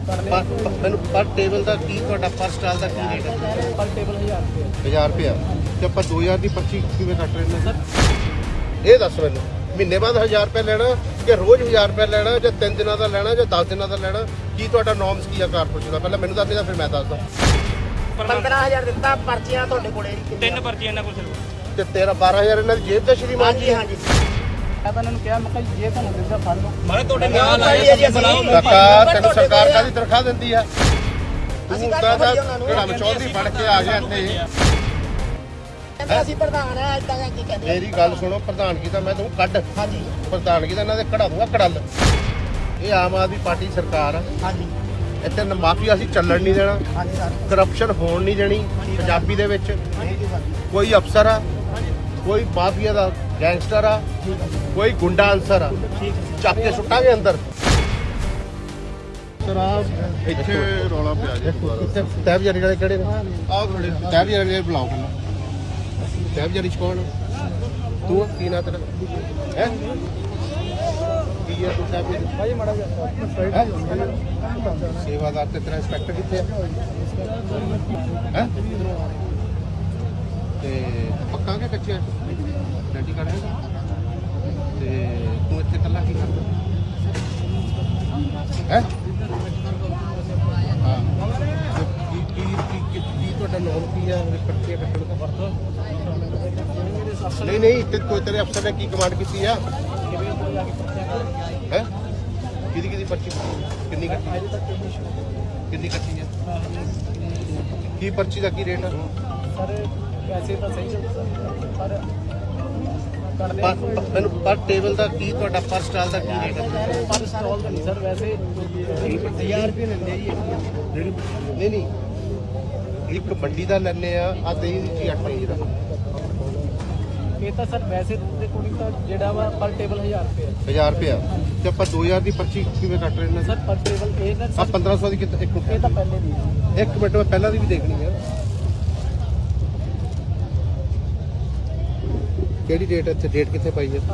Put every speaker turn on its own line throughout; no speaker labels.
ਮੈਨੂੰ ਪਰ ਟੇਬਲ ਦਾ ਕੀ ਤੁਹਾਡਾ ਪਰ ਸਟਾਲ ਦਾ ਕੀ ਰੇਟ ਹੈ?
ਪਰ ਟੇਬਲ
1000 ਰੁਪਇਆ ਤੇ ਆਪਾਂ 2000 ਦੀ ਪਰਚੀ ਕਿਵੇਂ ਕੱਟ ਰਹੇ ਨੇ ਸਰ? ਇਹ ਦੱਸ ਮੈਨੂੰ, ਮਹੀਨੇ ਬਾਅਦ 1000 ਰੁਪਏ ਲੈਣਾ ਕਿ ਰੋਜ਼ 1000 ਰੁਪਏ ਲੈਣਾ ਜਾਂ 3 ਦਿਨਾਂ ਦਾ ਲੈਣਾ ਜਾਂ 10 ਦਿਨਾਂ ਦਾ ਲੈਣਾ? ਕੀ ਤੁਹਾਡਾ ਨੋਰਮਸ ਕੀ ਆ ਕਾਰਪੋਰੇਸ਼ਨ ਦਾ? ਪਹਿਲਾਂ ਮੈਨੂੰ ਦੱਸ ਦੇ, ਫਿਰ ਮੈਂ ਦੱਸਦਾ।
15000 ਦਿੱਤਾ, ਪਰਚੀਆਂ ਤੁਹਾਡੇ ਕੋਲੇ
3 ਪਰਚੀਆਂ ਇਹਨਾਂ ਕੋਲ ਸਿਰਫ
ਤੇ ਤੇਰਾ 12000 ਇਹਨਾਂ ਦੀ ਜੇਬ ਦਾ ਸ਼੍ਰੀਮਾਨ
ਹਾਂਜੀ ਹਾਂਜੀ। ਮੈਂ ਤਾਂ ਇਹਨਾਂ ਨੂੰ ਕਿਹਾ, ਮੈਂ ਕਿਹਾ ਜੇ ਤੁਹਾਨੂੰ ਦਿੰਦਾ ਫੜ ਲਓ।
ਮੈਂ ਤੁਹਾਡੇ ਨਾਲ ਆਏ ਬੁਲਾਓ
ਕਾਕਾ, ਤੈਨੂੰ ਸਰਕਾਰ ਕਾਹਦੀ ਤਨਖਾਹ ਦਿੰਦੀ ਆ? ਤੂੰ ਤਾਂ ਕਿਹੜਾ ਮਚੌਧਰੀ ਫੜ ਕੇ ਆ ਗਿਆ ਇੱਥੇ।
ਅਸੀਂ ਪ੍ਰਧਾਨ ਆ, ਇਦਾਂ ਦਾ ਕੀ ਕਹਿੰਦੇ?
ਮੇਰੀ ਗੱਲ ਸੁਣੋ, ਪ੍ਰਧਾਨਗੀ ਤਾਂ ਮੈਂ ਤੂੰ ਕੱਢ,
ਹਾਂਜੀ
ਪ੍ਰਧਾਨਗੀ ਤਾਂ ਇਹਨਾਂ ਦੇ ਕਢਾ ਦੂੰਗਾ ਕੜਲ। ਇਹ ਆਮ ਆਦਮੀ ਪਾਰਟੀ ਸਰਕਾਰ ਆ,
ਹਾਂਜੀ
ਇੱਥੇ ਮਾਫੀਆ ਅਸੀਂ ਚੱਲਣ ਨਹੀਂ ਦੇਣਾ,
ਹਾਂਜੀ ਸਰ।
ਕਰਪਸ਼ਨ ਹੋਣ ਨਹੀਂ ਦੇਣੀ ਪੰਜਾਬੀ ਦੇ ਵਿੱਚ। ਕੋਈ ਅਫਸਰ ਆ, ਕੋਈ ਮਾਫੀਆ ਦਾ ਗੈਂਗਸਟਰ ਆ, ਕੋਈ ਗੁੰਡਾ ਅਨਸਰ ਆ, ਚੱਕ ਕੇ ਸੁੱਟਾਂਗੇ ਅੰਦਰ।
ਸ਼ਰਾਬ ਇੱਥੇ ਰੌਲਾ ਪਿਆ ਜੀ।
ਕਿੱਥੇ ਤਹਿਬਜ਼ਾਰੀ ਵਾਲੇ ਕਿਹੜੇ ਨੇ?
ਆਹ ਖੜੇ
ਤਹਿਬਜ਼ਾਰੀ ਵਾਲੇ ਬੁਲਾਓ ਪਹਿਲਾਂ। ਤਹਿਬਜ਼ਾਰੀ ਚ ਕੌਣ? ਤੂੰ ਆ? ਕੀ ਨਾਂ ਤੇਰਾ ਹੈ? ਕੀ ਹੈ ਤੂੰ ਤਹਿਬਜ਼ਾਰੀ?
ਭਾਈ ਮਾੜਾ ਜਿਹਾ
ਸੇਵਾਦਾਰ ਤੇ ਤੇਰਾ ਇੰਸਪੈਕਟਰ ਕਿੱਥੇ ਹੈ? ਤੇ ਪੱਕਾ ਕਿ ਕੱਚਾ ਡੈਡੀ ਕਰੇਗਾ? ਤੇ ਤੂੰ ਇੱਥੇ ਇਕੱਲਾ ਕੀ ਕਰਦਾ ਹੈ? ਹਾਂ, ਕੀ ਤੁਹਾਡਾ ਨਾਮ ਕੀ ਆ? ਪਰਚੀਆਂ ਕੱਟਣ ਦਾ ਵਰਤੋਂ? ਨਹੀਂ ਤੇ ਕੋਈ ਤੇਰੇ ਅਫਸਰ ਨੇ ਕੀ ਕਮਾਂਡ ਕੀਤੀ ਆ? ਹੈ ਕਿਹਦੀ ਪਰਚੀ ਕਿੰਨੀ ਕੱਟੀ? ਕਿੰਨੀ ਕੱਟੀ ਆ? ਕੀ ਪਰਚੀ ਦਾ ਕੀ ਰੇਟ ਆ?
ਸਰ ਪੈਸੇ ਤਾਂ ਸਹੀ ਪਰ
ਮੈਨੂੰ ਪਰ ਟੇਬਲ ਦਾ ਕੀ ਤੁਹਾਡਾ ਪਰ ਸਟਾਲ ਦਾ ਕੀ ਰੇਟ ਹੈ?
ਪਰ ਸਟਾਲ ਤਾਂ ਨਹੀਂ ਸਰ, ਵੈਸੇ 1000 ਰੁਪਏ ਲੈਂਦੇ ਆ ਜੀ।
ਨਹੀਂ ਇੱਕ ਮੰਡੀ ਦਾ ਲੈਣੇ ਆ ਦਹੀਂ ਦੀ ਚੀਜ਼ 8 ਰੁਪਏ ਦਾ।
ਇਹ ਤਾਂ ਸਰ ਵੈਸੇ ਦੇ ਕੋਲ ਤਾਂ ਜਿਹੜਾ ਵਾ ਪਰ ਟੇਬਲ 1000 ਰੁਪਏ
1000 ਰੁਪਇਆ ਤੇ ਆਪਾਂ 2000 ਦੀ ਪਰਚੀ ਕਿਵੇਂ ਕੱਟ ਰਹੇ ਨੇ
ਸਰ? ਪਰ ਟੇਬਲ ਇਹ ਤਾਂ
ਆ 1500 ਦੀ ਕਿਤੇ ਇੱਕ
ਇਹ ਤਾਂ ਪਹਿਲੇ ਦੀ ਹੈ।
ਇੱਕ ਮਿੰਟ, ਮੈਂ ਪਹਿਲਾਂ ਦੀ ਵੀ ਦੇਖਣੀ ਆ। ਕਿਹੜੀ ਡੇਟ ਇੱਥੇ? ਡੇਟ ਕਿੱਥੇ ਪਾਈ ਹੈ?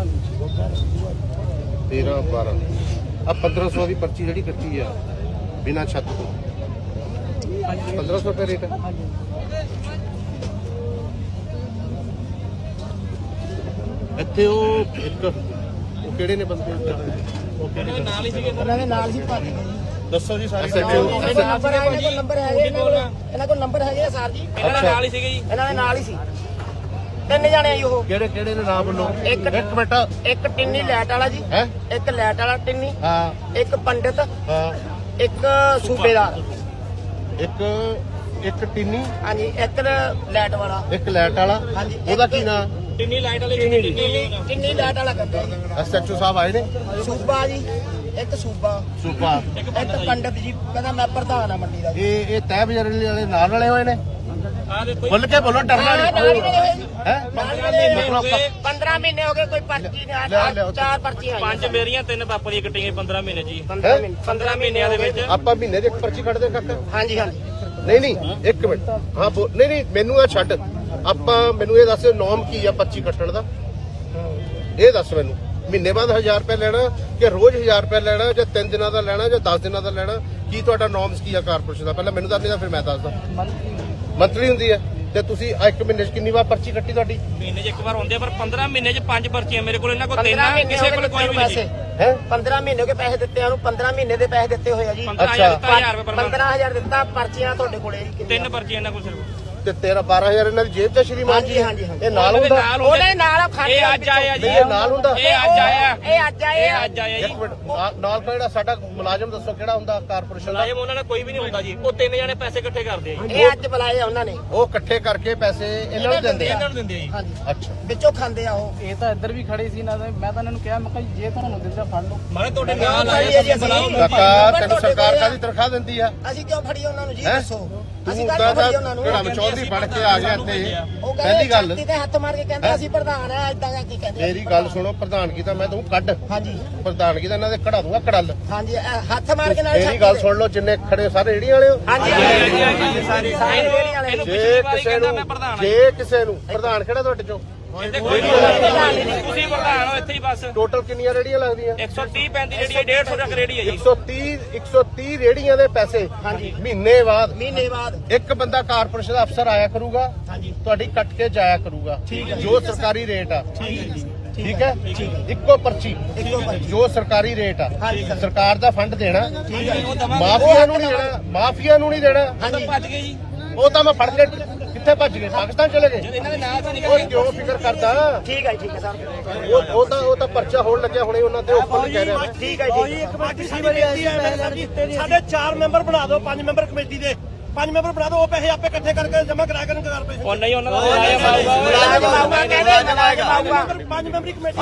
13 12 ਆ 1500 ਦੀ ਪਰਚੀ ਜਿਹੜੀ ਕੱਟੀ ਆ ਬਿਨਾਂ ਛੱਤ ਤੋਂ 1500 ਰੁਪਏ ਰੇਟ ਹੈ। ਇੱਥੇ ਉਹ ਇੱਕ ਉਹ ਕਿਹੜੇ ਨੇ ਬੰਦੇ? ਉਹ ਕਿਹੜੇ
ਨਾਲ ਹੀ ਸੀਗੇ
ਉਹਨਾਂ ਦੇ ਨਾਲ ਹੀ ਭੱਜ ਗਏ।
ਦੱਸੋ ਜੀ ਸਾਰੇ।
ਨੰਬਰ ਹੈ ਇਹਨਾਂ ਕੋਲ, ਨੰਬਰ ਹੈਗੇ ਇਹਨਾਂ ਕੋਲ ਨੰਬਰ ਹੈਗੇ ਆ ਸਰ ਜੀ।
ਇਹਨਾਂ ਦੇ ਨਾਲ ਹੀ ਸੀਗੇ ਜੀ।
ਇਹਨਾਂ ਦੇ ਨਾਲ ਹੀ ਸੀ। 3 ਜਾਣੇ ਆ ਜੀ ਉਹ।
ਕਿਹੜੇ ਨੇ ਨਾਮ ਬੋਲੋ? ਇੱਕ ਮਿੰਟ।
ਇੱਕ ਟਿੰਨੀ ਲੈਟ ਵਾਲਾ ਜੀ,
ਹੈ?
ਇੱਕ ਲੈਟ ਵਾਲਾ ਟਿੰਨੀ,
ਹਾਂ
ਇੱਕ ਪੰਡਿਤ,
ਹਾਂ।
ਇੱਕ ਸੂਬੇਦਾਰ,
ਇੱਕ ਟਿੰਨੀ,
ਹਾਂਜੀ ਇੱਕ ਲੈਟ ਵਾਲਾ,
ਇੱਕ ਲੈਟ ਵਾਲਾ।
ਹਾਂਜੀ,
ਉਹਦਾ ਕੀ ਨਾਂ?
ਟਿੰਨੀ ਲਾਈਟ ਵਾਲੇ
ਟਿੰਨੀ ਲੈਟ ਵਾਲਾ ਕਹਿੰਦੇ ਜੀ।
ਐਸਐਚਓ ਸਾਹਿਬ ਆਏ ਨੇ?
ਸੂਬਾ ਜੀ, ਇੱਕ ਸੂਬਾ,
ਸੁਪਾ।
ਇੱਕ ਪੰਡਿਤ ਜੀ, ਕਹਿੰਦਾ ਮੈਂ ਪ੍ਰਧਾਨ ਆ ਮੰਡੀ ਦਾ।
ਇਹ ਤਹਿਬਜ਼ਾਰੀ ਵਾਲੇ ਨਾਲ ਵਾਲੇ ਹੋਏ ਨੇ?
ਆ ਦੇਖੋ
ਖੁੱਲ ਕੇ ਬੋਲੋ, ਡਰਨਾ
ਨਾਲ
ਨਹੀਂ
ਹੀ ਰਹੇ ਜੀ।
ਹੈ।
15 ਮਹੀਨੇ ਹੋ ਗਏ, ਕੋਈ ਪਰਚੀ ਨਹੀਂ, 4 ਪਰਚੀਆਂ ਆਈਆਂ।
5 ਮੇਰੀਆਂ 3 ਪਾਪਾ ਦੀਆਂ ਕੱਟੀਆਂ 15 ਮਹੀਨੇ ਜੀ।
15
ਮਹੀਨਿਆਂ ਦੇ ਵਿੱਚ
ਆਪਾਂ ਮਹੀਨੇ ਦੀ ਇੱਕ ਪਰਚੀ ਕੱਢਦੇ ਕਾਕਾ?
ਹਾਂਜੀ ਹਾਂਜੀ।
ਨਹੀਂ ਇੱਕ ਮਿੰਟ। ਹਾਂ ਨਹੀਂ ਮੈਨੂੰ ਇਹ ਛੱਡ। ਮੈਨੂੰ ਇਹ ਦੱਸ ਨੋਮ ਕੀ ਆ ਪਰਚੀ ਕੱਟਣ ਦਾ? ਇਹ ਦੱਸ ਮੈਨੂੰ, ਮਹੀਨੇ ਬਾਅਦ 1000 ਰੁਪਏ ਲੈਣਾ ਕਿ ਰੋਜ਼ 1000 ਰੁਪਏ ਲੈਣਾ ਜਾਂ 3 ਦਿਨਾਂ ਦਾ ਲੈਣਾ ਜਾਂ 10 ਦਿਨਾਂ ਦਾ ਲੈਣਾ? ਕੀ ਤੁਹਾਡਾ ਨੋਰਮਸ ਕੀ ਆ ਕਾਰਪੋਰੇਸ਼ਨ ਦਾ? ਪਹਿਲਾਂ ਮੈਨੂੰ ਦੱਸ ਦੇ, ਫਿਰ ਮੈਂ ਦੱਸਦਾ। ਮੰਥਲੀ ਹੁੰਦੀ ਹੈ ਤੇ ਤੁਸੀਂ ਇੱਕ ਮਹੀਨੇ 'ਚ ਕਿੰਨੀ ਵਾਰ ਪਰਚੀ ਕੱਟੀ ਤੁਹਾਡੀ?
ਮਹੀਨੇ 'ਚ ਇੱਕ ਵਾਰ ਹੁੰਦੇ ਆ, ਪਰ 15 ਮਹੀਨੇ 'ਚ 5 ਪਰਚੀਆਂ ਮੇਰੇ ਕੋਲ। ਇਹਨਾਂ ਕੋਲ 3 ਆ, ਕਿਸੇ ਕੋਲ ਕੋਈ ਵੀ ਨਹੀਂ।
ਹੈ
15 ਮਹੀਨੇ ਹੋ ਗਏ ਪੈਸੇ ਦਿੱਤੇ ਉਹਨੂੰ, 15 ਮਹੀਨੇ ਦੇ ਪੈਸੇ ਦਿੱਤੇ ਹੋਏ ਆ ਜੀ।
15000 ਦਿੱਤਾ 1000 ਰੁਪਏ ਪਰ
15000 ਦਿੱਤਾ, ਪਰਚੀਆਂ ਤੁਹਾਡੇ ਕੋਲੇ ਜੀ।
3 ਪਰਚੀਆਂ ਇਹਨਾਂ ਕੋਲ ਸਿਰਫ।
ਤੇ 13000 ਇਹਨਾਂ ਦੀ ਜੇਬ 'ਚ ਸ਼੍ਰੀਮਾਨ?
ਹਾਂਜੀ ਹਾਂਜੀ ਹਾਂਜੀ।
ਇਹ ਨਾਲ ਹੁੰਦਾ?
ਉਹਦੇ ਨਾਲ ਖਾਣੇ
ਇਹ ਅੱਜ ਆਇਆ ਜੀ।
ਇਹ ਨਾਲ ਹੁੰਦਾ?
ਇਹ ਅੱਜ ਆਇਆ।
ਇਹ ਅੱਜ ਆਏ ਆ।
ਇਹ ਅੱਜ ਆਇਆ ਜੀ।
ਇੱਕ ਮਿੰਟ, ਨਾਲ ਕਿਹੜਾ ਸਾਡਾ ਮੁਲਾਜ਼ਮ ਦੱਸੋ ਕਿਹੜਾ ਹੁੰਦਾ ਕਾਰਪੋਰੇਸ਼ਨ ਦਾ?
ਮੁਲਾਜ਼ਮ ਉਹਨਾਂ ਨੇ ਕੋਈ ਵੀ ਨਹੀਂ ਹੁੰਦਾ ਜੀ। ਉਹ 3 ਜਣੇ ਪੈਸੇ ਇਕੱਠੇ ਕਰਦੇ ਆ ਜੀ।
ਇਹ ਅੱਜ ਬੁਲਾਏ ਆ ਉਹਨਾਂ ਨੇ।
ਉਹ ਇਕੱਠੇ ਕਰਕੇ ਪੈਸੇ ਇਹਨਾਂ ਨੂੰ ਦਿੰਦੇ ਆ?
ਇਹਨਾਂ ਨੂੰ ਦਿੰਦੇ ਆ ਜੀ।
ਹਾਂਜੀ,
ਅੱਛਾ।
ਵਿੱਚੋਂ ਖਾਂਦੇ ਆ ਉਹ। ਇਹ ਤਾਂ ਇੱਧਰ ਵੀ ਖੜੇ ਸੀ ਨਾ, ਮੈਂ ਤਾਂ ਇਹਨਾਂ ਨੂੰ ਕਿਹਾ, ਮੈਂ ਕਿਹਾ ਜੇ ਤੁਹਾਨੂੰ ਦਿੰਦਾ ਫੜ ਲਓ।
ਮੈਂ ਤੁਹਾਡੇ ਨਾਲ ਆਏ ਬੁਲਾਓ।
ਕਾਕਾ, ਤੈਨੂੰ ਸਰਕਾਰ ਕਾਹਦੀ ਤਨਖਾਹ ਦਿੰਦੀ ਆ?
ਅਸੀਂ ਕਿਉਂ ਫੜੀ ਉਹਨਾਂ ਨੂੰ ਜੀ?
ਹੈਂ?
ਦੱਸੋ।
ਤੂੰ
ਅਸੀਂ
ਤਾਂ
ਕਿਉਂ ਫੜੀ ਉਹਨਾਂ ਨੂੰ?
ਕਿਹੜਾ ਮਚੌਧਰੀ ਫੜ ਕੇ ਆ ਗਿਆ ਇੱਥੇ।
ਉਹ
ਪਹਿਲੀ
ਕਹਿੰਦੇ
ਗੱਲ,
ਛਾਤੀ ਤੇ ਹੱਥ ਮਾਰ ਕੇ ਕਹਿੰਦੇ ਅਸੀਂ ਪ੍ਰਧਾਨ ਆ, ਇਦਾਂ ਦਾ ਕੀ ਕਹਿੰਦੇ?
ਮੇਰੀ ਗੱਲ ਸੁਣੋ, ਪ੍ਰਧਾਨਗੀ ਤਾਂ ਮੈਂ ਤੂੰ ਕੱਢ,
ਹਾਂਜੀ
ਪ੍ਰਧਾਨਗੀ ਤਾਂ ਇਹਨਾਂ ਦੇ ਕਢਾ ਦੂੰਗਾ ਕੜਲ।
ਹਾਂਜੀ, ਹੱਥ ਮਾਰ ਕੇ ਨਾਲ
ਮੇਰੀ ਗੱਲ ਸੁਣ ਲਓ, ਜਿੰਨੇ ਖੜੇ ਸਾਰੇ ਰੇਹੜੀ ਵਾਲੇ ਹੋ।
ਹਾਂਜੀ
ਸਾਰੇ
ਸਾਰੇ ਰੇਹੜੀ ਵਾਲੇ।
ਇਹਨੂੰ
ਜੇ
ਪਿਛਲੀ ਵਾਰੀ
ਕਿਸੇ
ਕਹਿੰਦਾ
ਨੂੰ
ਮੈਂ ਪ੍ਰਧਾਨ ਆ।
ਜੇ ਕਿਸੇ ਨੂੰ ਪ੍ਰਧਾਨ ਕਿਹੜਾ ਤੁਹਾਡੇ ਚੋਂ?
ਤੁਸੀਂ ਪ੍ਰਧਾਨ ਹੋ ਇੱਥੇ ਹੀ ਬਸ
ਟੋਟਲ ਕਿੰਨੀਆਂ ਰੇੜੀਆਂ ਲੱਗਦੀਆਂ?
130 35 ਰੇੜੀ ਹੈ 150 ਤੱਕ ਰੇੜੀ ਹੈ ਜੀ
130 ਰੇੜੀਆਂ ਦੇ ਪੈਸੇ ਮਹੀਨੇ ਬਾਅਦ ਇੱਕ ਬੰਦਾ ਕਾਰਪੋਰੇਸ਼ਨ ਦਾ ਅਫਸਰ ਆਇਆ ਕਰੂਗਾ, ਤੁਹਾਡੀ ਕੱਟ ਕੇ ਜਾਇਆ ਕਰੂਗਾ ਜੋ ਸਰਕਾਰੀ ਰੇਟ ਆ। ਠੀਕ ਹੈ, ਇੱਕੋ ਪਰਚੀ ਜੋ ਸਰਕਾਰੀ ਰੇਟ ਆ। ਸਰਕਾਰ ਦਾ ਫੰਡ ਦੇਣਾ, ਮਾਫੀਆ ਨੂੰ ਨਹੀਂ ਦੇਣਾ, ਮਾਫੀਆ ਨੂੰ ਨਹੀਂ ਦੇਣਾ।
ਭੱਜ ਗਏ ਜੀ
ਉਹ ਤਾਂ ਮੈਂ ਫੜ ਕੇ ਕਿੱਥੇ ਭੱਜ ਗਏ? ਪਾਕਿਸਤਾਨ ਚਲੇ ਗਏ।
ਇਹਨਾਂ ਦੇ ਨਾਂ ਤਾਂ ਨਹੀਂ
ਉਹ ਕਿਉਂ ਫਿਕਰ ਕਰਦਾ?
ਠੀਕ ਹੈ ਸਰ।
ਉਹ ਤਾਂ ਪਰਚਾ ਹੋਣ ਲੱਗਿਆ ਹੁਣੇ ਉਹਨਾਂ ਤੇ ਉੱਪਰ ਕਹਿ ਰਿਹਾ ਮੈਂ।
ਠੀਕ ਹੈ ਜੀ। ਇੱਕ ਮਿੰਟ ਸਾਡੇ 4 ਮੈਂਬਰ ਬਣਾ ਦਿਓ, 5 ਮੈਂਬਰ ਕਮੇਟੀ ਦੇ 5 ਮੈਂਬਰ ਬਣਾ ਦਿਓ। ਉਹ ਪੈਸੇ ਆਪੇ ਇਕੱਠੇ ਕਰਕੇ ਜਮ੍ਹਾਂ ਕਰਾ ਕੇ ਕਰ ਪੈਸੇ।
ਉਹ ਨਹੀਂ ਉਹਨਾਂ ਦਾ
5 ਮੈਂਬਰੀ ਕਮੇਟੀ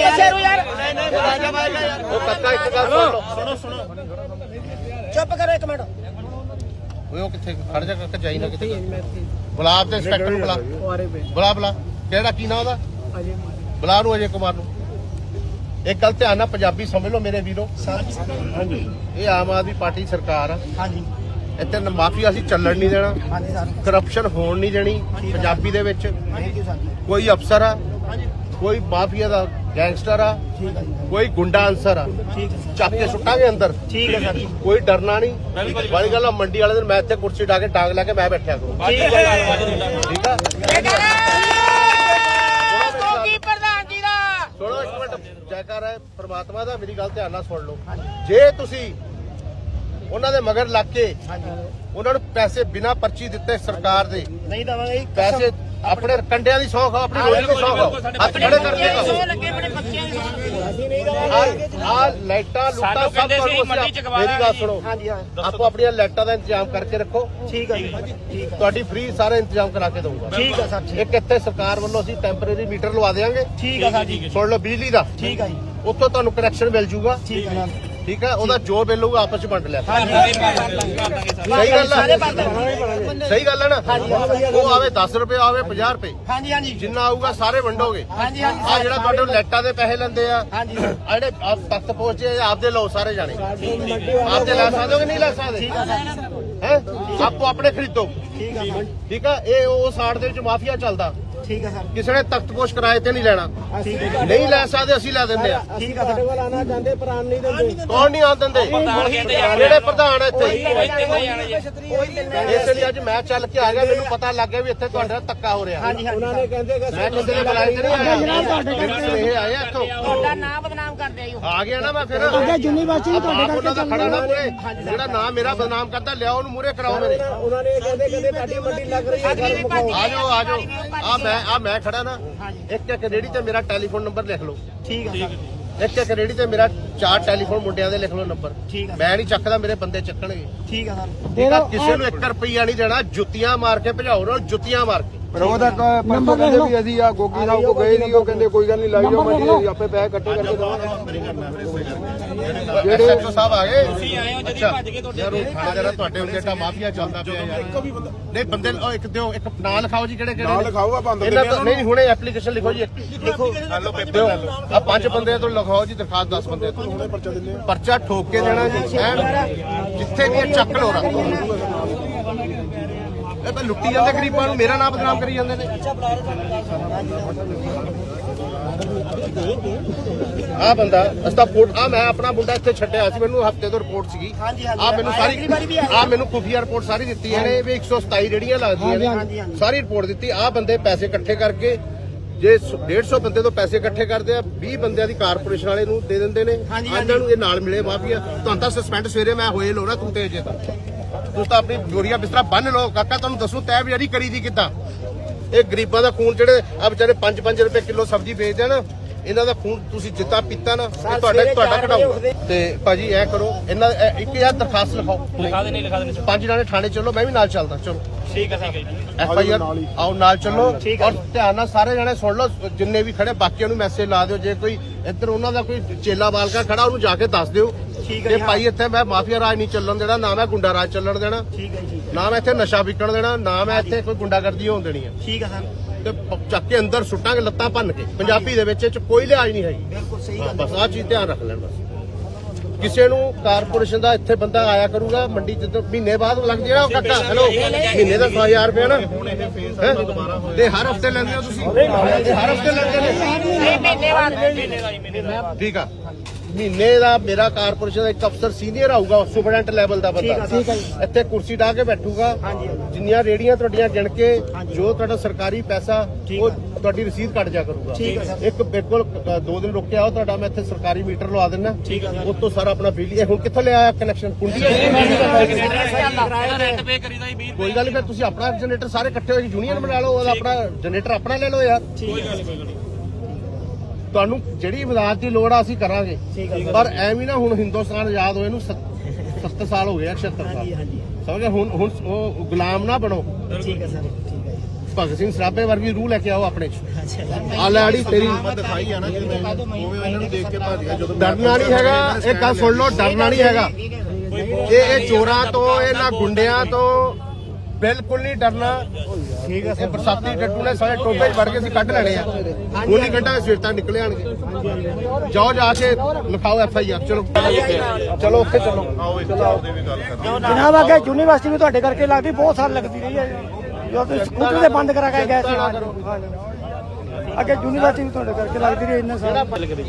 ਉਹ ਕੱਕਾ ਇੱਕ ਗੱਲ ਸੁਣੋ।
ਚੁੱਪ ਕਰੋ ਇੱਕ ਮਿੰਟ।
ਉਹ ਕਿੱਥੇ ਖੜ ਜਾ ਕੱਕਾ, ਜਾਈ ਨਾ ਕਿਤੇ। ਗੁਲਾਬ ਤੇ ਇੰਸਪੈਕਟਰ ਨੂੰ ਬੁਲਾ। ਕਿਹੜਾ ਕੀ ਨਾਂ ਉਹਦਾ? ਬੁਲਾ ਨੂੰ ਅਜੇ ਕੁਮਾਰ ਨੂੰ। ਇੱਕ ਗੱਲ ਧਿਆਨ ਨਾਲ ਪੰਜਾਬੀ ਸਮਝ ਲਓ ਮੇਰੇ ਵੀਰੋ। ਇਹ ਆਮ ਆਦਮੀ ਪਾਰਟੀ ਸਰਕਾਰ ਆ।
ਹਾਂਜੀ
ਇੱਥੇ ਮਾਫੀਆ ਅਸੀਂ ਚੱਲਣ ਨਹੀਂ ਦੇਣਾ,
ਹਾਂਜੀ ਸਰ।
ਕਰਪਸ਼ਨ ਹੋਣ ਨਹੀਂ ਦੇਣੀ ਪੰਜਾਬੀ ਦੇ ਵਿੱਚ।
Thank you sir.
ਕੋਈ ਅਫਸਰ ਆ, ਕੋਈ ਮਾਫੀਆ ਦਾ ਗੈਂਗਸਟਰ ਆ,
ਠੀਕ ਹੈ ਜੀ।
ਕੋਈ ਗੁੰਡਾ ਅਨਸਰ ਆ,
ਠੀਕ ਹੈ
ਚੱਕ ਕੇ ਸੁੱਟਾਂਗੇ ਅੰਦਰ।
ਠੀਕ ਹੈ ਸਰ।
ਕੋਈ ਡਰਨਾ ਨਹੀਂ। ਵਾਲੀ ਗੱਲ ਆ, ਮੰਡੀ ਵਾਲੇ ਦਿਨ ਮੈਂ ਇੱਥੇ ਕੁਰਸੀ ਢਾ ਕੇ ਡਾਂਗ ਲਾ ਕੇ ਮੈਂ ਬੈਠਿਆ ਕਰੂੰ।
ਠੀਕ ਹੈ
ਠੀਕ ਆ।
ਪ੍ਰਧਾਨ ਜੀ ਦਾ
ਸੁਣੋ ਇੱਕ ਮਿੰਟ, ਜੈਕਾਰ ਹੈ ਪ੍ਰਮਾਤਮਾ ਦਾ। ਮੇਰੀ ਗੱਲ ਧਿਆਨ ਨਾਲ ਸੁਣ ਲਓ। ਜੇ ਤੁਸੀਂ ਉਹਨਾਂ ਦੇ ਮਗਰ ਲੱਗ ਕੇ ਉਹਨਾਂ ਨੂੰ ਪੈਸੇ ਬਿਨਾਂ ਪਰਚੀ ਦਿੱਤੇ ਸਰਕਾਰ ਦੇ
ਨਹੀਂ ਦਵਾਂਗੇ
ਪੈਸੇ ਆਪਣੇ ਕੰਡਿਆਂ ਦੀ ਸੌਂ ਖਾਓ, ਆਪਣੀ ਰੋਟੀ ਦੀ ਸੌਂ ਖਾਓ, ਹੱਥ ਖੜੇ ਕਰਕੇ ਖਾਓ।
ਲੱਗੇ ਬੜੇ ਬੱਚਿਆਂ ਦੀ
ਆ ਲਾਈਟਾਂ ਲੁੱਟਾਂ
ਸਾਨੂੰ
ਸਭ
ਕਹਿੰਦੇ ਸੀ
ਤੁਹਾਨੂੰ
ਮੰਡੀ ਚ ਗਵਾ
ਮੇਰੀ ਗੱਲ ਸੁਣੋ।
ਹਾਂਜੀ ਹਾਂ
ਆਪੋ ਆਪਣੀਆਂ ਲਾਈਟਾਂ ਦਾ ਇੰਤਜ਼ਾਮ ਕਰਕੇ ਰੱਖੋ।
ਠੀਕ ਹੈ ਜੀ। ਠੀਕ ਹੈ
ਤੁਹਾਡੀ ਫ੍ਰੀ ਸਾਰਾ ਇੰਤਜ਼ਾਮ ਕਰਾ ਕੇ ਦਊਗਾ।
ਠੀਕ ਹੈ ਸਰ। ਠੀਕ
ਇੱਕ ਇੱਥੇ ਸਰਕਾਰ ਵੱਲੋਂ ਅਸੀਂ ਟੈਂਪਰੇਰੀ ਮੀਟਰ ਲਵਾ ਦੇਵਾਂਗੇ।
ਠੀਕ ਹੈ ਸਰ ਜੀ।
ਸੁਣ ਲਓ ਬਿਜਲੀ ਦਾ।
ਠੀਕ ਹੈ ਜੀ।
ਉੱਥੋਂ ਤੁਹਾਨੂੰ ਕਨੈਕਸ਼ਨ ਮਿਲ ਜੂਗਾ।
ਠੀਕ ਹੈ ਸਰ।
ਠੀਕ ਹੈ, ਉਹਦਾ ਜੋ ਬਿੱਲ ਹੋਊਗਾ ਆਪਸ ਚ ਵੰਡ ਲਿਆ।
ਹਾਂਜੀ
ਸਹੀ ਗੱਲ
ਸਾਰੇ
ਹੈ,
ਪਾਸੇ
ਸਹੀ ਗੱਲ ਹੈ ਨਾ। ਉਹ ਆਵੇ 10 ਰੁਪਏ ਆਵੇ 50 ਰੁਪਏ
ਹਾਂਜੀ ਹਾਂਜੀ
ਜਿੰਨਾ ਆਊਗਾ ਸਾਰੇ ਵੰਡੋਗੇ।
ਹਾਂਜੀ ਹਾਂਜੀ
ਆ ਜਿਹੜਾ ਤੁਹਾਡੇ ਲਾਈਟਾਂ ਦੇ ਪੈਸੇ ਲੈਂਦੇ ਆ,
ਹਾਂਜੀ
ਆ ਜਿਹੜੇ ਤਖਤ ਪਹੁੰਚੇ ਆਪਦੇ ਲਓ ਸਾਰੇ ਜਾਣੇ। ਆਪਦੇ ਲੈ ਸਕਦੇ ਹੋ ਕਿ ਨਹੀਂ ਲੈ ਸਕਦੇ? ਹੈ ਆਪੋ ਆਪਣੇ ਖਰੀਦੋ।
ਠੀਕ ਹੈ
ਠੀਕ ਆ। ਇਹ ਉਹ ਸਾੜ ਦੇ ਵਿੱਚ ਮਾਫੀਆ ਚੱਲਦਾ।
ਠੀਕ ਹੈ ਸਰ।
ਕਿਸੇ ਨੇ ਤਖਤ ਪੋਸ਼ ਕਿਰਾਏ ਤੇ ਨਹੀਂ ਲੈਣਾ।
ਠੀਕ ਹੈ
ਨਹੀਂ ਲੈ ਸਕਦੇ, ਅਸੀਂ ਲੈ ਦਿੰਦੇ ਆ।
ਠੀਕ ਹੈ ਸਰ।
ਆਣਾ ਚਾਹੁੰਦੇ ਪ੍ਰਾਣ ਨਹੀਂ ਦਿੰਦੇ।
ਕੌਣ ਨਹੀਂ ਆਉਣ ਦਿੰਦੇ? ਜਿਹੜੇ ਪ੍ਰਧਾਨ ਇੱਥੇ। ਇਸ ਲਈ ਅੱਜ ਮੈਂ ਚੱਲ ਕੇ ਆ ਗਿਆ। ਮੈਨੂੰ ਪਤਾ ਲੱਗ ਗਿਆ ਵੀ ਇੱਥੇ ਤੁਹਾਡੇ ਨਾਲ ਧੱਕਾ ਹੋ ਰਿਹਾ।
ਹਾਂਜੀ ਹਾਂਜੀ
ਉਹਨਾਂ ਨੇ ਕਹਿੰਦੇ ਕਿ
ਮੈਂ ਕਿਸੇ ਨੇ ਬੁਲਾਏ ਤੇ ਨਹੀਂ ਆਇਆ। ਮੇਰੇ ਇਹ ਆਏ ਇੱਥੋਂ
ਤੁਹਾਡਾ ਨਾਮ ਬਦਨਾਮ ਕਰਦੇ ਆਇਓ।
ਆ ਗਿਆ ਨਾ ਮੈਂ ਫਿਰ।
ਯੂਨੀਵਰਸਿਟੀ
ਤੁਹਾਡੇ ਕਰਕੇ ਖੜਾ ਨਾ ਮੂਰੇ। ਜਿਹੜਾ ਨਾਮ ਮੇਰਾ ਬਦਨਾਮ ਕਰਦਾ ਲਿਆਓ ਉਹਨੂੰ ਮੂਰੇ ਕਰਾਓ ਮੇਰੇ।
ਉਹਨਾਂ ਨੇ ਕਹਿੰਦੇ ਤੁਹਾਡੀ ਮੰਡੀ ਲੱਗ ਰਹੀ ਹੈ।
ਆ ਜਾਓ ਮੈਂ ਖੜਾ ਨਾ। ਇੱਕ ਰੇੜੀ ਤੇ ਮੇਰਾ ਟੈਲੀਫੋਨ ਨੰਬਰ ਲਿਖ ਲਓ।
ਠੀਕ ਹੈ ਸਰ।
ਇੱਕ ਰੇੜੀ ਤੇ ਮੇਰਾ 4 ਟੈਲੀਫੋਨ ਮੁੰਡਿਆਂ ਦੇ ਲਿਖ ਲਓ ਨੰਬਰ।
ਠੀਕ ਹੈ
ਮੈਂ ਨਹੀਂ ਚੱਕਦਾ, ਮੇਰੇ ਬੰਦੇ ਚੱਕਣਗੇ।
ਠੀਕ ਹੈ ਸਰ।
ਠੀਕ ਆ। ਕਿਸੇ ਨੂੰ 1 ਰੁਪਈਆ ਨਹੀਂ ਦੇਣਾ। ਜੁੱਤੀਆਂ ਮਾਰ ਕੇ ਭਜਾਓ ਨਾ, ਜੁੱਤੀਆਂ ਮਾਰ ਕੇ।
ਪਰ ਉਹਦਾ ਪਰਸੋਂ ਕਹਿੰਦੇ ਵੀ ਅਸੀਂ ਆ ਗੋਗੀ ਸਾਹਿਬ ਕੋ ਗਏ ਨਹੀਂ। ਉਹ ਕਹਿੰਦੇ ਕੋਈ ਗੱਲ ਨਹੀਂ, ਲਾਈ ਜਾਓ ਮੰਡੀ, ਅਸੀਂ ਆਪੇ ਪੈਸੇ ਇਕੱਠੇ ਕਰਕੇ ਦੇਵਾਂਗੇ।
ਜਿਹੜੇ ਐਸਓ ਸਾਹਿਬ ਆ ਗਏ।
ਤੁਸੀਂ ਆਏ ਹੋ ਜਦੀ ਭੱਜ ਕੇ ਤੁਹਾਡੇ
ਯਾਰ ਉਹ ਥਾਣੇਦਾਰ ਤੁਹਾਡੇ ਉੱਤੇ ਤਾਂ ਮਾਫੀਆ ਚੱਲਦਾ ਪਿਆ ਯਾਰ। ਨਹੀਂ ਬੰਦੇ ਉਹ ਇੱਕ ਦਿਓ, ਇੱਕ ਨਾਂ ਲਿਖਾਓ ਜੀ ਕਿਹੜੇ
ਨਾਲ ਲਿਖਾਓ ਆ ਬੰਦ
ਇਹਨਾਂ ਤੋਂ ਨਹੀਂ ਹੁਣੇ ਐਪਲੀਕੇਸ਼ਨ ਲਿਖੋ ਜੀ। ਲਿਖੋ ਦਿਓ ਆ 5 ਬੰਦੇ ਤੋਂ ਲਿਖਾਓ ਜੀ ਦਰਖਾਸਤ 10 ਬੰਦੇ ਤੋਂ।
ਹੁਣੇ ਪਰਚਾ ਦਿੰਦੇ ਆ।
ਪਰਚਾ ਠੋਕ ਕੇ ਦੇਣਾ ਜੀ। ਜਿੱਥੇ ਵੀ ਇਹ ਚੱਕ ਲੋ ਰੱਖ। ਇਹ ਤਾਂ ਲੁੱਟੀ ਜਾਂਦੇ ਗਰੀਬਾਂ ਨੂੰ, ਮੇਰਾ ਨਾਮ ਬਦਨਾਮ ਕਰੀ ਜਾਂਦੇ ਨੇ। ਆ ਬੰਦਾ ਅਸਤਾ ਮੈਂ ਆਪਣਾ ਮੁੰਡਾ ਇੱਥੇ ਛੱਡਿਆ ਸੀ। ਮੈਨੂੰ ਹਫਤੇ ਤੋਂ ਰਿਪੋਰਟ ਸੀਗੀ। ਆ ਮੈਨੂੰ ਮੈਨੂੰ ਖੁਫੀਆ ਰਿਪੋਰਟ ਸਾਰੀ ਦਿੱਤੀ ਇਹਨੇ ਵੀ 127 ਜਿਹੜੀਆਂ ਲੱਗਦੀਆਂ ਨੇ, ਸਾਰੀ ਰਿਪੋਰਟ ਦਿੱਤੀ। ਆ ਬੰਦੇ ਪੈਸੇ ਇਕੱਠੇ ਕਰਕੇ ਜੇ 150 ਬੰਦੇ ਤੋਂ ਪੈਸੇ ਇਕੱਠੇ ਕਰਦੇ ਆ, 20 ਬੰਦਿਆਂ ਦੀ ਕਾਰਪੋਰੇਸ਼ਨ ਵਾਲੇ ਨੂੰ ਦੇ ਦਿੰਦੇ ਨੇ। ਇਹਨਾਂ ਨੂੰ ਇਹ ਨਾਲ ਮਿਲੇ ਮਾਫੀਆ। ਤੁਹਾਨੂੰ ਤਾਂ ਸਸਪੈਂਡ ਸਵੇਰੇ ਮੈਂ ਹੋਏ ਲੋ ਨਾ, ਤੂੰ ਤੇ ਜੇ ਤੁਸੀਂ ਤਾਂ ਆਪਣੀ ਬੋਰੀਆ ਬਿਸਤਰਾ ਬੰਨ ਲਓ। ਕਾਕਾ ਤੁਹਾਨੂੰ ਦੱਸੂ ਤੈ ਬਜ਼ਾਰੀ ਕਰੀ ਦੀ ਕਿੱਦਾਂ। ਇਹ ਗਰੀਬਾਂ ਦਾ ਖੂਨ, ਜਿਹੜੇ ਆ ਵਿਚਾਰੇ 5-5 ਰੁਪਏ ਕਿਲੋ ਸਬਜ਼ੀ ਵੇਚਦੇ ਆ ਨਾ, ਇਹਨਾਂ ਦਾ ਖੂਨ ਤੁਸੀਂ ਜਿੱਤਾ ਪੀਤਾ ਨਾ, ਇਹ ਤੁਹਾਡਾ ਕਢਾਓ। ਤੇ ਭਾਜੀ ਐ ਕਰੋ, ਇਹਨਾਂ 1000 ਦਰਖਾਸਤ ਲਿਖਾਓ।
ਲਿਖਾ ਦੇਣੀ
5 ਜਣੇ ਥਾਣੇ ਚੱਲੋ, ਮੈਂ ਵੀ ਨਾਲ ਚੱਲਦਾ। ਚਲੋ
ਠੀਕ ਹੈ ਜੀ।
FIR ਆਓ ਨਾਲ ਚੱਲੋ। ਔਰ ਧਿਆਨ ਨਾਲ ਸਾਰੇ ਜਣੇ ਸੁਣ ਲਓ, ਜਿੰਨੇ ਵੀ ਖੜੇ ਬਾਕੀਆਂ ਨੂੰ ਮੈਸੇਜ ਲਾ ਦਿਓ। ਜੇ ਕੋਈ ਇੱਧਰ ਉਹਨਾਂ ਦਾ ਕੋਈ ਚੇਲਾ ਬਾਲਕਾ ਖੜਾ, ਉਹਨੂੰ ਜਾ ਕੇ ਦੱਸ ਦਿਓ ਕਿ ਭਾਈ ਇੱਥੇ ਮੈਂ ਮਾਫੀਆ ਰਾਜ ਨਹੀਂ ਚੱਲਣ ਦੇਣਾ, ਨਾ ਮੈਂ ਗੁੰਡਾ ਰਾਜ ਚੱਲਣ ਦੇਣਾ, ਨਾ ਮੈਂ ਇੱਥੇ ਨਸ਼ਾ ਵਿਕਣ ਦੇਣਾ, ਨਾ ਮੈਂ ਇੱਥੇ ਕੋਈ ਗੁੰਡਾਗਰਦੀ ਹੋਣ ਦੇਣੀ ਹੈ।
ਠੀਕ ਹੈ ਸਰ।
ਤੇ ਚੱਕ ਕੇ ਅੰਦਰ ਸੁੱਟਾਂਗੇ ਲੱਤਾਂ ਭੰਨ ਕੇ। ਪੰਜਾਬੀ ਦੇ ਵਿੱਚ ਕੋਈ ਲਿਹਾਜ਼ ਨਹੀਂ ਹੈਗੀ।
ਬਿਲਕੁਲ ਸਹੀ
ਬਸ ਆਹ ਚੀਜ਼ ਧਿਆਨ ਰੱਖ ਲੈਣ ਬਸ। ਕਿਸੇ ਨੂੰ ਕਾਰਪੋਰੇਸ਼ਨ ਦਾ ਇੱਥੇ ਬੰਦਾ ਆਇਆ ਕਰੂਗਾ ਮੰਡੀ ਜਦੋਂ ਮਹੀਨੇ ਬਾਅਦ ਲੱਗ ਜਿਹੜਾ ਉਹ ਕਾਕਾ ਹੈਲੋ ਮਹੀਨੇ ਦਾ 100,000 ਰੁਪਏ ਨਾ ਹੈਂ? ਤੇ ਹਰ ਹਫਤੇ ਲੈਂਦੇ ਹੋ ਤੁਸੀਂ ਤੇ ਹਰ ਹਫਤੇ ਲੈਂਦੇ ਨੇ ਠੀਕ ਆ ਮਹੀਨੇ ਦਾ ਮੇਰਾ ਕਾਰਪੋਰੇਸ਼ਨ ਦਾ ਇੱਕ ਅਫਸਰ ਸੀਨੀਅਰ ਆਊਗਾ ਸੁਪਰਡੈਂਟ ਲੈਵਲ ਦਾ ਬੰਦਾ ਇੱਥੇ ਕੁਰਸੀ ਢਾ ਕੇ ਬੈਠੂਗਾ ਜਿੰਨੀਆਂ ਰੇੜੀਆਂ ਤੁਹਾਡੀਆਂ ਗਿਣ ਕੇ ਜੋ ਤੁਹਾਡਾ ਸਰਕਾਰੀ ਪੈਸਾ ਉਹ ਤੁਹਾਡੀ ਰਸੀਦ ਕੱਟ ਜਾ ਕਰੂਗਾ ਇੱਕ ਬਿਲਕੁਲ 2 ਦਿਨ ਰੁਕ ਕੇ ਆਓ ਤੁਹਾਡਾ ਮੈਂ ਇੱਥੇ ਸਰਕਾਰੀ ਮੀਟਰ ਲਵਾ ਦਿੰਦਾ ਉਸ ਤੋਂ ਸਾਰਾ ਆਪਣਾ ਬਿਜਲੀ ਹੁਣ ਕਿੱਥੋਂ ਲਿਆ ਕਨੈਕਸ਼ਨ ਕੁੰਡੀ
ਰੈਂਟ ਪੇ ਕਰੀਦਾ ਹੀ 20
ਕੋਈ ਗੱਲ ਨਹੀਂ ਫਿਰ ਤੁਸੀਂ ਆਪਣਾ ਜਨਰੇਟਰ ਸਾਰੇ ਇਕੱਠੇ ਹੋ ਕੇ ਯੂਨੀਅਨ ਬਣਾ ਲਓ ਉਹਦਾ ਆਪਣਾ ਜਨਰੇਟਰ ਆਪਣਾ ਲੈ ਲਓ ਯਾਰ ਤੁਹਾਨੂੰ ਜਿਹੜੀ ਇਮਦਾਦ ਦੀ ਲੋੜ ਆ ਅਸੀਂ ਕਰਾਂਗੇ ਪਰ ਐਵੇਂ ਨਾ ਹੁਣ ਹਿੰਦੁਸਤਾਨ ਆਜ਼ਾਦ ਹੋਏ ਨੂੰ 70 ਸਾਲ ਹੋ ਗਏ 76 ਸਾਲ ਸਮਝ ਗਏ ਹੁਣ ਉਹ ਗੁਲਾਮ ਨਾ ਬਣੋ
ਠੀਕ ਹੈ ਸਰ ਠੀਕ ਹੈ
ਭਗਤ ਸਿੰਘ ਸਰਾਭੇ ਵਰਗੀ ਰੂਹ ਲੈ ਕੇ ਆਓ ਆਪਣੇ ਚ ਆ ਲੈ ਆੜੀ ਤੇਰੀ
ਦਿਖਾਈ ਆ ਨਾ ਜਿਵੇਂ ਉਵੇਂ ਇਹਨਾਂ ਨੂੰ ਦੇਖ ਕੇ ਭੱਜ ਗਿਆ ਜਦੋਂ
ਡਰਨਾ ਨਹੀਂ ਹੈਗਾ ਇਹ ਗੱਲ ਸੁਣ ਲਓ ਡਰਨਾ ਨਹੀਂ ਹੈਗਾ ਇਹ ਚੋਰਾਂ ਤੋਂ ਇਹਨਾਂ ਗੁੰਡਿਆਂ ਤੋਂ ਬਿਲਕੁਲ ਨਹੀਂ ਡਰਨਾ ਠੀਕ ਹੈ ਇਹ ਬਰਸਾਤੀ ਟੱਟੂ ਨੇ ਸਾਰੇ ਟੋਪੇ 'ਚ ਵੜ ਕੇ ਅਸੀਂ ਕੱਢ ਲੈਣੇ ਆ ਹੁਣ ਹੀ ਕੱਢਾਂਗੇ ਸਵੇਰ ਤੱਕ ਨਿਕਲੇ ਆਣਗੇ ਜਾਓ ਜਾ ਕੇ ਲਿਖਾਓ FIR ਚਲੋ ਚਲੋ ਉੱਥੇ ਚਲੋ
ਉਹਦੇ ਵੀ ਗੱਲ ਕਰ
ਜਨਾਬ ਅੱਗੇ ਯੂਨੀਵਰਸਿਟੀ ਵੀ ਤੁਹਾਡੇ ਕਰਕੇ ਲੱਗਦੀ ਬਹੁਤ ਸਾਲ ਲੱਗਦੀ ਰਹੀ ਹੈ ਜੋ ਤੁਸੀਂ ਸਕੂਟਰ ਦੇ ਬੰਦ ਕਰਾ ਕੇ ਗਏ ਸੀ ਅੱਗੇ ਯੂਨੀਵਰਸਿਟੀ ਵੀ ਤੁਹਾਡੇ ਕਰਕੇ ਲੱਗਦੀ ਰਹੀ ਇੰਨੇ ਸਾਲ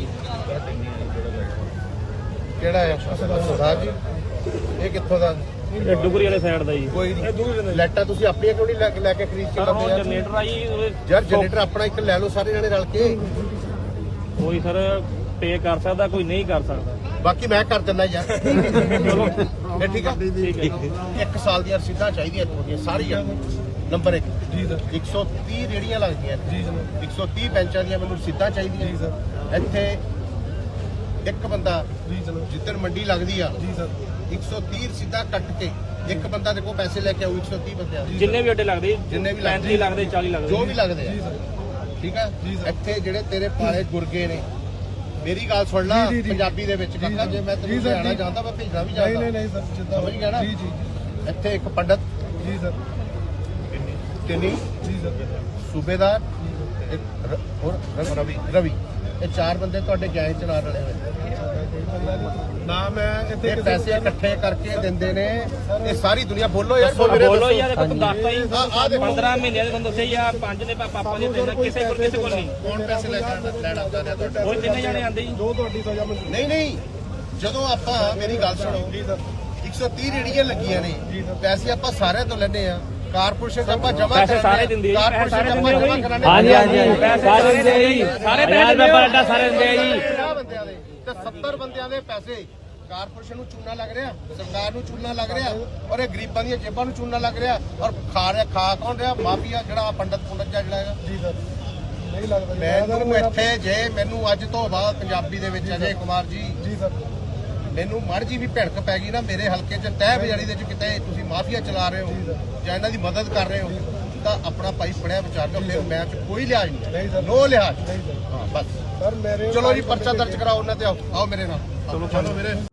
ਕਿਹੜਾ ਹੈ ਸਰਦਾਰ ਜੀ ਇਹ ਕਿੱਥੋਂ ਦਾ
ਇਹ ਡੁਗਰੀ ਵਾਲੇ ਸਾਈਡ ਦਾ ਜੀ
ਕੋਈ ਨਹੀਂ ਲੈਟਾਂ ਤੁਸੀਂ ਆਪਣੀਆਂ ਕਿਉਂ ਨਹੀਂ ਲੈ ਕੇ ਖਰੀਦ ਕੇ ਲਾਉਂਦੇ ਯਾਰ
ਜਨਰੇਟਰ ਆ ਜੀ
ਯਾਰ ਜਨਰੇਟਰ ਆਪਣਾ ਇੱਕ ਲੈ ਲਓ ਸਾਰੇ ਜਣੇ ਰਲ ਕੇ
ਕੋਈ ਸਰ ਪੇ ਕਰ ਸਕਦਾ ਕੋਈ ਨਹੀਂ ਕਰ ਸਕਦਾ
ਬਾਕੀ ਮੈਂ ਕਰ ਦਿੰਦਾ ਯਾਰ ਚਲੋ ਇਹ ਠੀਕ ਆ ਇੱਕ ਸਾਲ ਦੀਆਂ ਰਸੀਦਾਂ ਚਾਹੀਦੀਆਂ ਇੱਥੋਂ ਦੀਆਂ ਸਾਰੀਆਂ ਨੰਬਰ 1 ਜੀ ਸਰ 130 ਰੇੜੀਆਂ ਲੱਗਦੀਆਂ ਜੀ ਸਰ 130 ਬੈਂਚਾਂ ਦੀਆਂ ਮੈਨੂੰ ਰਸੀਦਾਂ ਚਾਹੀਦੀਆਂ ਜੀ ਸਰ ਇੱਥੇ ਇੱਕ ਬੰਦਾ ਜੀ ਚਲੋ ਜਿੱਦਣ ਮੰਡੀ ਲੱਗਦੀ ਆ ਜੀ ਸਰ 130 ਰਸੀਦਾਂ ਕੱਟ ਕੇ ਇੱਕ ਬੰਦਾ ਦੇਖੋ ਪੈਸੇ ਲੈ ਕੇ ਆਉ 130 ਬੰਦਿਆਂ ਦੇ
ਜਿੰਨੇ ਵੀ ਅੱਡੇ ਲੱਗਦੇ
ਜਿੰਨੇ ਵੀ
35 ਲੱਗਦੇ 40 ਲੱਗਦੇ
ਜੋ ਵੀ ਲੱਗਦੇ ਆ ਠੀਕ ਆ ਇੱਥੇ ਜਿਹੜੇ ਤੇਰੇ ਪਾਲੇ ਗੁਰਗੇ ਨੇ ਮੇਰੀ ਗੱਲ ਸੁਣ ਲੈ ਪੰਜਾਬੀ ਦੇ ਵਿੱਚ ਕਾਕਾ ਜੇ ਮੈਂ ਤੈਨੂੰ ਲਿਆਣਾ ਚਾਹੁੰਦਾ ਮੈਂ ਭੇਜਣਾ ਵੀ ਚਾਹੁੰਦਾ ਨਹੀਂ ਸਰ ਸਮਝ ਗਿਆ ਨਾ ਇੱਥੇ ਇੱਕ ਪੰਡਤ ਜੀ ਸਰ ਕਿੰਨੀ ਜੀ ਸਰ ਸੂਬੇਦਾਰ ਰਵੀ ਇਹ 4 ਬੰਦੇ ਤੁਹਾਡੇ ਗੈਂਗ ਚ ਨਾਲ ਰਲੇ ਹੋਏ
ਨਾ ਮੈਂ ਇੱਥੇ
ਇਹ ਪੈਸੇ ਇਕੱਠੇ ਕਰਕੇ ਦਿੰਦੇ ਨੇ ਇਹ ਸਾਰੀ ਦੁਨੀਆ ਬੋਲੋ ਯਾਰ
ਬੋਲੋ ਯਾਰ ਦੇਖੋ ਤੂੰ ਦੱਸਦਾ ਹੀ
ਆ ਦੇਖੋ
15 ਮਹੀਨਿਆਂ ਦੇ ਤੁਹਾਨੂੰ ਦੱਸਿਆ ਯਾਰ 5 ਨੇ ਪਾਪਾ ਦੇ ਦੇਣਾ ਕਿਸੇ ਕੋਲ ਨਹੀਂ
ਕੌਣ ਪੈਸੇ ਲੈ ਕੇ ਲੈਣਾ ਚਾਹੁੰਦਾ ਤੁਹਾਡਾ
ਕੋਈ ਤਿੰਨੇ ਜਾਣੇ ਆਂਦੇ ਜੀ
ਜੋ ਤੁਹਾਡੀ ਸਜ਼ਾ
ਨਹੀਂ ਜਦੋਂ ਆਪਾਂ ਮੇਰੀ ਗੱਲ ਸੁਣੋ 130 ਰੇੜੀਆਂ ਲੱਗੀਆਂ ਨੇ ਪੈਸੇ ਆਪਾਂ ਸਾਰਿਆਂ ਤੋਂ ਲੈਣੇ ਆ ਕਾਰਪੋਰੇਸ਼ਨ ਚ ਆਪਾਂ ਜਮਾ
ਪੈਸੇ ਸਾਰੇ ਦਿੰਦੇ ਆ
ਕਾਰਪੋਰੇਸ਼ਨ ਚ ਆਪਾਂ ਜਮਾ ਕਰਾਣੇ
ਸਾਰੇ ਦਿੰਦੇ ਆ ਜੀ ਸਾਰੇ ਪੈਸੇ ਨੰਬਰ ਅੱਡਾ ਸਾਰੇ ਦਿੰਦੇ ਆ ਜੀ
50 ਬੰਦਿਆਂ ਦੇ ਤੇ 70 ਬੰਦਿਆਂ ਦੇ ਪੈਸੇ ਕਾਰਪੋਰੇਸ਼ਨ ਨੂੰ ਚੂਨਾ ਲੱਗ ਰਿਹਾ ਸਰਕਾਰ ਨੂੰ ਚੂਨਾ ਲੱਗ ਰਿਹਾ ਔਰ ਇਹ ਗਰੀਬਾਂ ਦੀਆਂ ਜੇਬਾਂ ਨੂੰ ਚੂਨਾ ਲੱਗ ਰਿਹਾ ਔਰ ਖਾ ਕੌਣ ਰਿਹਾ ਮਾਫੀਆ ਜਿਹੜਾ ਪੰਡਤ ਜਿਹੜਾ ਹੈਗਾ
ਜੀ ਸਰ ਨਹੀਂ ਲੱਗਦਾ
ਮੈਨੂੰ ਇੱਥੇ ਜੇ ਮੈਨੂੰ ਅੱਜ ਤੋਂ ਬਾਅਦ ਪੰਜਾਬੀ ਦੇ ਵਿੱਚ ਅਜੇ ਕੁਮਾਰ ਜੀ
ਜੀ ਸਰ
ਮੈਨੂੰ ਮੜ ਜੀ ਵੀ ਭਿੜਕ ਪੈ ਗਈ ਨਾ ਮੇਰੇ ਹਲਕੇ 'ਚ ਤਹਿ ਬਜਾਰੀ ਦੇ 'ਚ ਕਿਤੇ ਤੁਸੀਂ ਮਾਫੀਆ ਚਲਾ ਰਹੇ ਹੋ ਜਾਂ ਇਹਨਾਂ ਦੀ ਮਦਦ ਕਰ ਰਹੇ ਹੋ ਤਾਂ ਆਪਣਾ ਭਾਈ ਪੜਿਆ ਵਿਚਾਰ ਕਰੋ ਫਿਰ ਮੈਂ ਕੋਈ ਲਿਹਾਜ਼ ਨਹੀਂ ਨੋ ਲਿਹਾਜ਼ ਹਾਂ ਬਸ
ਸਰ ਮੇਰੇ
ਚਲੋ ਜੀ ਪਰਚਾ ਦਰਜ ਕਰਾਓ ਉਹਨਾਂ ਤੇ ਆਓ ਮੇਰੇ ਨਾਲ ਚਲੋ ਵੀਰੇ